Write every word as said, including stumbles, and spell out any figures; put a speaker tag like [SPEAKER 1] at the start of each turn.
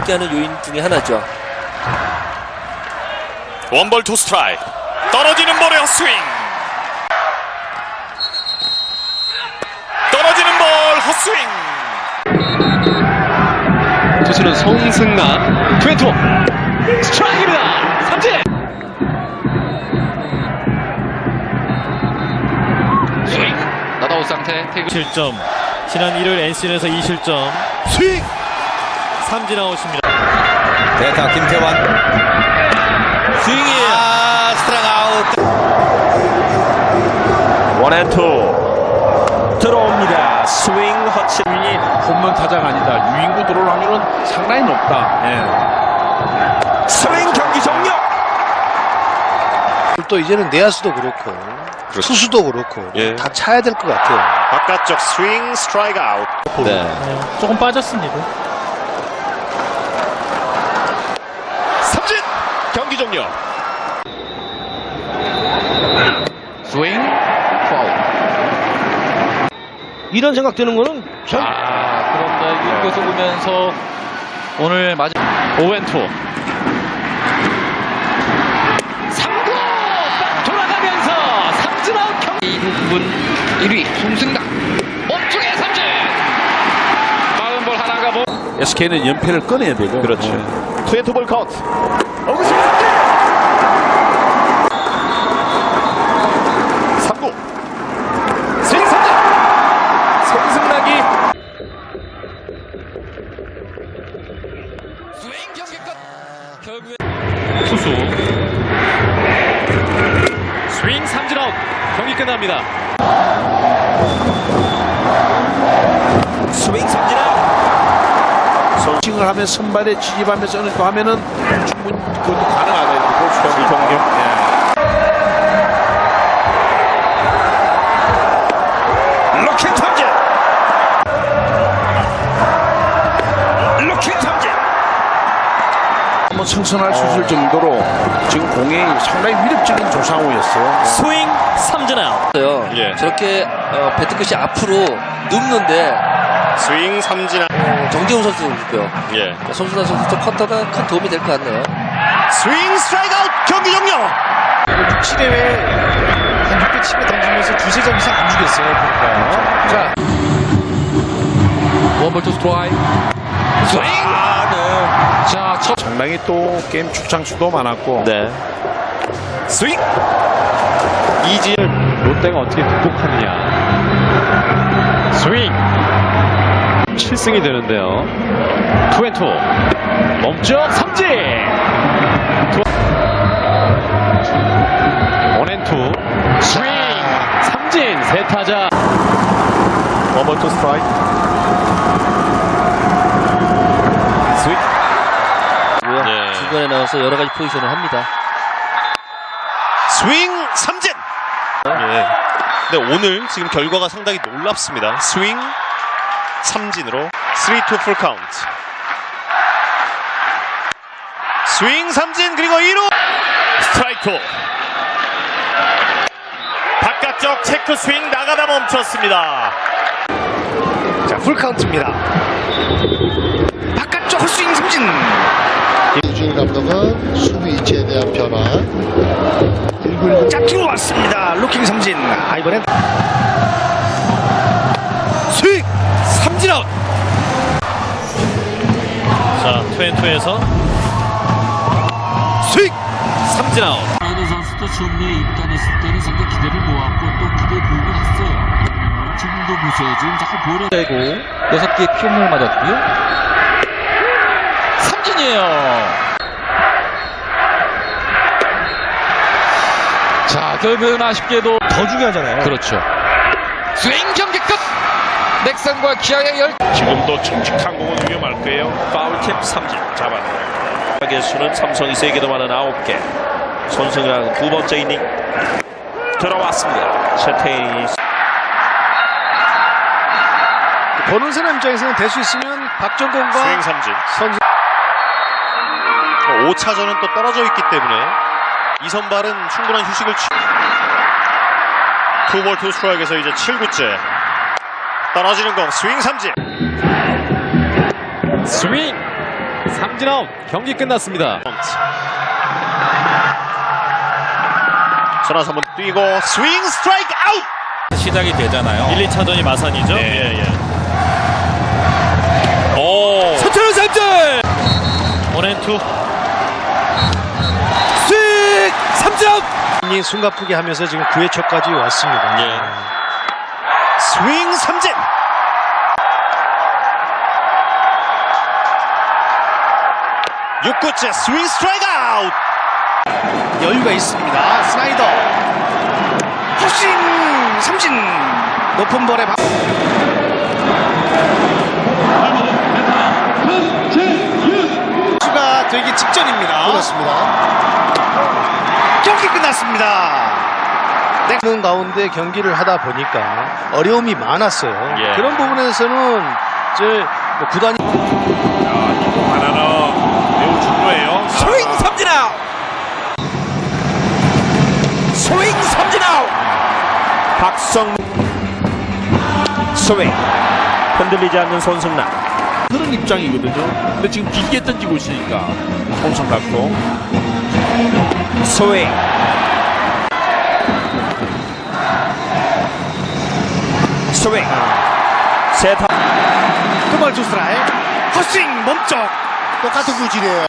[SPEAKER 1] 있게 하는 요인 중에 하나죠.
[SPEAKER 2] 원볼 투 스트라이크. 떨어지는 볼에 헛스윙. 떨어지는 볼 헛스윙.
[SPEAKER 3] 투수는 송승남. 투앤투 스트라이크입니다. 삼진. 스윙. 나다웃 상태. 태그
[SPEAKER 4] 실점. 지난 일요일 엔씨에서 이 실점. 스윙. 삼진 아웃입니다.
[SPEAKER 5] 대타 김태환
[SPEAKER 1] 스윙이에요.
[SPEAKER 5] 아 스트라이크 아웃.
[SPEAKER 2] 원앤투 들어옵니다. 스윙 허치.
[SPEAKER 6] 유인이 홈런 타자가 아니다. 유인구 들어올 확률은 상당히 높다. 예.
[SPEAKER 2] 스윙 경기 종료.
[SPEAKER 7] 또 이제는 내야수도 그렇고 투수도 그렇고
[SPEAKER 2] 예.
[SPEAKER 7] 다 차야 될 것 같아요.
[SPEAKER 2] 바깥쪽 스윙 스트라이크 아웃.
[SPEAKER 5] 네.
[SPEAKER 4] 네, 조금 빠졌습니다.
[SPEAKER 2] 삼진 경기 종료.
[SPEAKER 3] 스윙. 파울.
[SPEAKER 7] 이런 생각 드는 거는 전
[SPEAKER 3] 아, 그런데 이것을 보면서 오늘 맞은 오앤투 삼 구 딱 돌아가면서 삼진 아웃. 경기 이 부분 일 위 송승남 몸쪽에 삼진. 빠른 볼 하나가 뭐
[SPEAKER 6] 에스케이는 연패를 꺼내야 되고.
[SPEAKER 2] 그렇죠.
[SPEAKER 6] 네.
[SPEAKER 2] 투앤투 볼 카운트. 삼 구 스윙 삼진. 송승락이
[SPEAKER 3] 스윙 경기 끝. 결국에
[SPEAKER 4] 투수. 스윙 삼진 아웃. 경기 끝납니다.
[SPEAKER 2] 스윙 삼진 아웃.
[SPEAKER 6] 싱을 하면 선발에 진입하면서 어느 거 하면은 충분히 그것도 가능하다. 볼 수가 있고.
[SPEAKER 2] 경기 종료. 로켓 탐진. 로켓 탐진.
[SPEAKER 6] 한번 승선할 수 있을 정도로 지금 공이 상당히 위력적인 조상우였어요.
[SPEAKER 4] 스윙 삼진 아웃.
[SPEAKER 2] 예.
[SPEAKER 1] 저렇게 어, 배트 끝이 앞으로 눕는데
[SPEAKER 2] 스윙 삼진 아웃.
[SPEAKER 1] 어, 정재훈 선수고요.
[SPEAKER 2] 예.
[SPEAKER 1] 손순환 선수도 커터가 큰 도움이 될 것 같네요.
[SPEAKER 2] 스윙 스트라이크 아웃 경기 종료.
[SPEAKER 4] 육, 칠 회에 한 육 개 칠 회 던지면서 두세 점 이상 안 주겠어요. 보니까.
[SPEAKER 3] 자 원볼 투 스트라이크. 스윙.
[SPEAKER 2] 아, 네.
[SPEAKER 3] 자 첫.
[SPEAKER 6] 상당히 또 게임 출장수도 많았고.
[SPEAKER 2] 네. 스윙.
[SPEAKER 4] 이지를 롯데가 어떻게 극복하느냐. 스윙. 칠 승이 되는데요. 투앤투. 멈춰 삼진. 원앤투. 스윙. 삼진. 세 타자.
[SPEAKER 2] 원볼 투 스트라이크. 스윙. 예.
[SPEAKER 1] 중간에 나와서 여러 가지 포지션을 합니다.
[SPEAKER 2] 스윙 삼진. 예. 근데 오늘 지금 결과가 상당히 놀랍습니다. 스윙 삼진으로 쓰리 투 풀 카운트. 스윙 삼진 그리고 일 루 스트라이크. 바깥쪽 체크 스윙 나가다 멈췄습니다. 자, 풀 카운트입니다. 바깥쪽 헛스윙 삼진.
[SPEAKER 8] 이주일 감독은 수비 위치에 대한 변화. 일구일구
[SPEAKER 2] 짝지로 왔습니다. 루킹 삼진. 아, 이번엔 스윙 삼진 아웃.
[SPEAKER 4] 자, 투앤투에서
[SPEAKER 2] 스윙 삼진 아웃.
[SPEAKER 9] 박인호 선수도 처음에 입단했을 때는 상당히 기대를 모았고 또 기대에 도움을 했어요. 지금도 보세요. 지금 자꾸 볼에
[SPEAKER 3] 되고 여섯 개의 피홈런을 맞았고요. 삼진이에요. 자 결국은 아쉽게도
[SPEAKER 4] 더 중요하잖아요.
[SPEAKER 3] 그렇죠. 스윙 경기 끝. 넥센과 기아의 열.
[SPEAKER 2] 지금도 칙칙한 공은 위험할 거예요. 파울캡 삼진 잡아내요. 개수는 삼성이 세 개도 많은 아홉 개. 손승현 두 번째 이닝 들어왔습니다. 채태인이
[SPEAKER 7] 보는 사람 입장에서는 될 수 있으면 박정권과
[SPEAKER 2] 스윙 삼진.
[SPEAKER 7] 선수
[SPEAKER 2] 오 차전은 또 떨어져 있기 때문에 이 선발은 충분한 휴식을 취. 투볼 투 스트라이크에서 이제 칠 구째. 떨어지는 공 스윙 삼진.
[SPEAKER 4] 스윙
[SPEAKER 5] 삼진 아웃. 경기 끝났습니다.
[SPEAKER 2] 전화서 한번 뛰고 스윙 스트라이크 아웃.
[SPEAKER 5] 시작이 되잖아요.
[SPEAKER 2] 일, 이 차전이 마산이죠. 예, 예. 오.
[SPEAKER 5] 서철은 삼진.
[SPEAKER 2] 원앤투.
[SPEAKER 5] 스윙 삼진 아웃.
[SPEAKER 7] 이 숨가쁘게 하면서 지금 구 회초까지 왔습니다.
[SPEAKER 2] 예. 스윙 삼진. 육 구째 스윙 스트라이크 아웃.
[SPEAKER 4] 여유가 있습니다. 스나이더. 헛스윙 삼진. 높은 볼에 박. 수가 되기 직전입니다.
[SPEAKER 8] 그렇습니다.
[SPEAKER 4] 경기 끝났습니다. 는 가운데 경기를 하다 보니까 어려움이 많았어요.
[SPEAKER 2] 예.
[SPEAKER 4] 그런 부분에서는 이제 뭐 구단이
[SPEAKER 2] 하나는 매우 중요해요.
[SPEAKER 5] 스윙 삼진 아웃. 스윙 삼진 아웃.
[SPEAKER 2] 박성 스윙 흔들리지 않는 손승락.
[SPEAKER 6] 그런 입장이거든요. 근데 지금 길게 던지고 있으니까 손성 갖고
[SPEAKER 2] 스윙 스윙 세타
[SPEAKER 4] 그말 두 스트라이크. 헛스윙 몸쪽.
[SPEAKER 8] 똑같은 구질이에요.